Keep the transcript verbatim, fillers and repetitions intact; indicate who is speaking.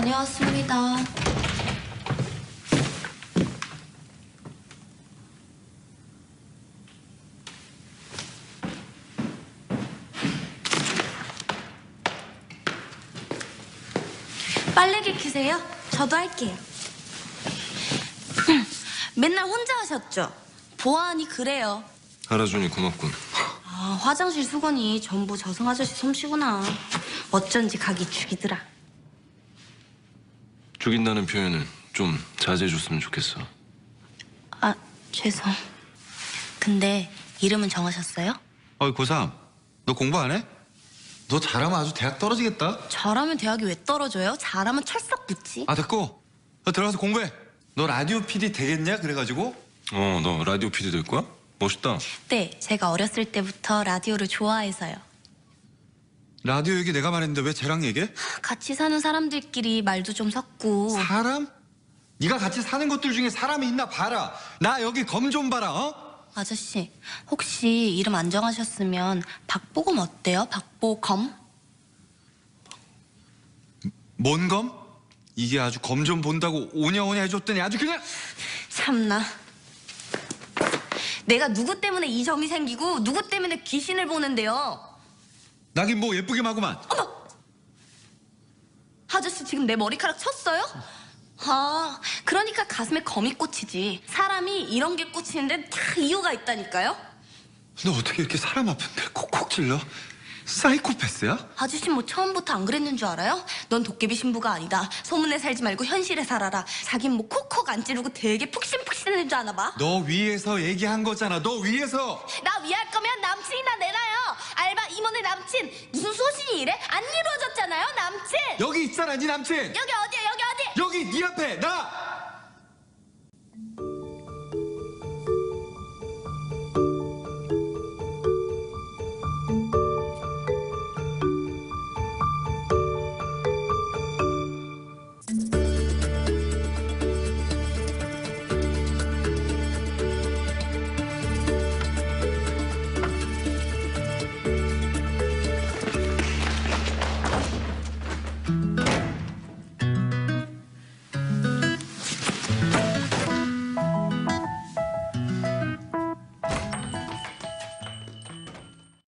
Speaker 1: 다녀왔습니다. 빨래기 키세요? 저도 할게요. 맨날 혼자 하셨죠? 보아하니 그래요.
Speaker 2: 알아주니 고맙군.
Speaker 1: 아, 화장실 수건이 전부 저승 아저씨 솜씨구나. 어쩐지 각이 죽이더라.
Speaker 2: 죽인다는 표현을 좀 자제해줬으면 좋겠어.
Speaker 1: 아, 죄송. 근데 이름은 정하셨어요?
Speaker 3: 어이 고삼, 너 공부 안 해? 너 잘하면 아주 대학 떨어지겠다.
Speaker 1: 잘하면 대학이 왜 떨어져요? 잘하면 철썩 붙지.
Speaker 3: 아 됐고, 너 들어가서 공부해. 너 라디오 피디 되겠냐? 그래가지고.
Speaker 2: 어, 너 라디오 피디 될 거야? 멋있다.
Speaker 1: 네, 제가 어렸을 때부터 라디오를 좋아해서요.
Speaker 3: 라디오 얘기 내가 말했는데 왜 쟤랑 얘기해?
Speaker 1: 같이 사는 사람들끼리 말도 좀 섞고.
Speaker 3: 사람? 네가 같이 사는 것들 중에 사람이 있나 봐라. 나 여기 검 좀 봐라. 어?
Speaker 1: 아저씨, 혹시 이름 안 정하셨으면 박보검 어때요? 박보검?
Speaker 3: 뭔 검? 이게 아주 검 좀 본다고 오냐오냐 해줬더니 아주 그냥.
Speaker 1: 참나. 내가 누구 때문에 이 점이 생기고 누구 때문에 귀신을 보는데요.
Speaker 3: 나긴 뭐 예쁘게 마구만.
Speaker 1: 어머! 아저씨 지금 내 머리카락 쳤어요? 아, 그러니까 가슴에 검이 꽂히지. 사람이 이런 게 꽂히는데 다 이유가 있다니까요.
Speaker 3: 너 어떻게 이렇게 사람 아픈데 콕콕 찔러? 사이코패스야?
Speaker 1: 아저씨 뭐 처음부터 안 그랬는 줄 알아요? 넌 도깨비 신부가 아니다. 소문에 살지 말고 현실에 살아라. 자긴 뭐 콕콕 안 찌르고 되게 푹신푹신한 줄 아나 봐.
Speaker 3: 너 위에서 얘기한 거잖아. 너 위에서.
Speaker 1: 나 위할 거면 남친이나 내놔요. 알바 임원의 남친. 무슨 소신이 이래? 안 이루어졌잖아요, 남친.
Speaker 3: 여기 있잖아, 네 남친.
Speaker 1: 여기 어디야, 여기 어디?
Speaker 3: 여기 네 앞에 나.